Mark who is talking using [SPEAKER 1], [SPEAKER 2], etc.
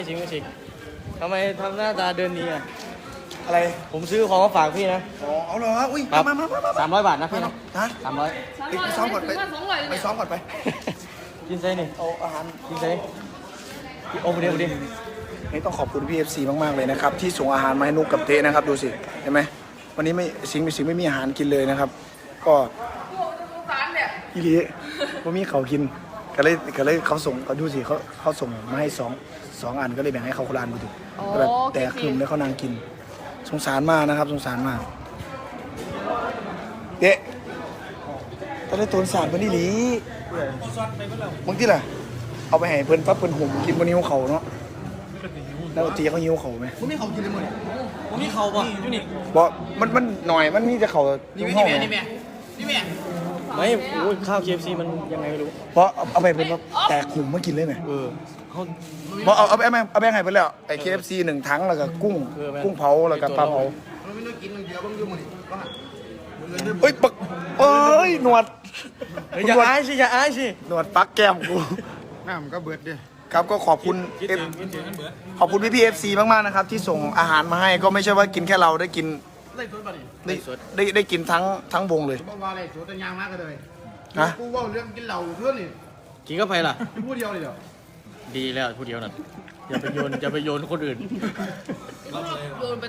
[SPEAKER 1] จริงจริงทำไมทำหน้าตาเดินนี้อ่ะ
[SPEAKER 2] อะไร
[SPEAKER 1] ผมซื้อของมาฝากพี่นะ
[SPEAKER 2] อ๋อเอาเหรออุ้ย
[SPEAKER 1] ครับ
[SPEAKER 2] มา
[SPEAKER 1] 300 บาทนะพี่นะ
[SPEAKER 2] ฮะ
[SPEAKER 1] 300
[SPEAKER 2] ไปซ้อมก่อนไปซ้อมก่อนไป
[SPEAKER 1] กินไซนี่
[SPEAKER 2] เอาอาหาร
[SPEAKER 1] กินไซโอ้เดี๋ยว
[SPEAKER 2] นี่ต้องขอบคุณพี่ FC มากๆเลยนะครับที่ส่งอาหารมาให้นุกกับเทนะครับดูสิเห็นไหมวันนี้ไม่สิงไม่มีอาหารกินเลยนะครับ ก็อีหลีว่ามีเขากินก็เลยเขาส่งเขาดูสิเขาส่งมาให้สองอันก็เลยแบ่งให้เขาคนละอันไปถึงแบบแต่คืนแล้วเขานางกินสงสารมากนะครับสงสารมากเด๊ะตอนนี้ตัวสารเพิ่นอีหลีบางทีล่ะเอาไปให้เพิ่นปั๊บเพิ่นห่มกินบนนิ้วเขาเนาะแล้วตีเขาหิ้วเขาไหม
[SPEAKER 1] ผมมีเขากินเลยมั้งผมมีเขาป่ะอยู่นี่
[SPEAKER 2] บอกมันหน่อยมันมีแต่เขาทุ่งห้องไง
[SPEAKER 1] ไม่โอ้ยข้าว KFC มันยังไงไม่รู้
[SPEAKER 2] เพราะเอาไปเป็นว่าแตกหุ่มมากินเลยไหม
[SPEAKER 1] เขา
[SPEAKER 2] บอกเอาไปให้ไปแล้วไอ้ KFC 1 ถังแล้วก็กุ้งเผาแล้วก็ปลาเผาเฮ้ยปักเอ้ยหนวด
[SPEAKER 1] อย่าอายสิ
[SPEAKER 2] หนวดปักแก้มกู
[SPEAKER 3] น้ำก็เบิดดิ
[SPEAKER 2] ครับก็ขอบคุณขอบคุณพี่ๆ FC มากๆนะครับที่ส่งอาหารมาให้ก็ไม่ใช่ว่ากินแค่เราได้กินได้กินทั้งวงเลย
[SPEAKER 3] บอกว่าอะไรสูตรยางมากเลย
[SPEAKER 2] ฮะ
[SPEAKER 3] กูว่าเรื่องกินเหล้าเพื่อนนี่
[SPEAKER 1] กินก็ไปล่ะ
[SPEAKER 3] พูดเดียวเลยเหรอ
[SPEAKER 1] ดีแล้วผู้เดียวนั่นอย่าไปโยนคนอื่น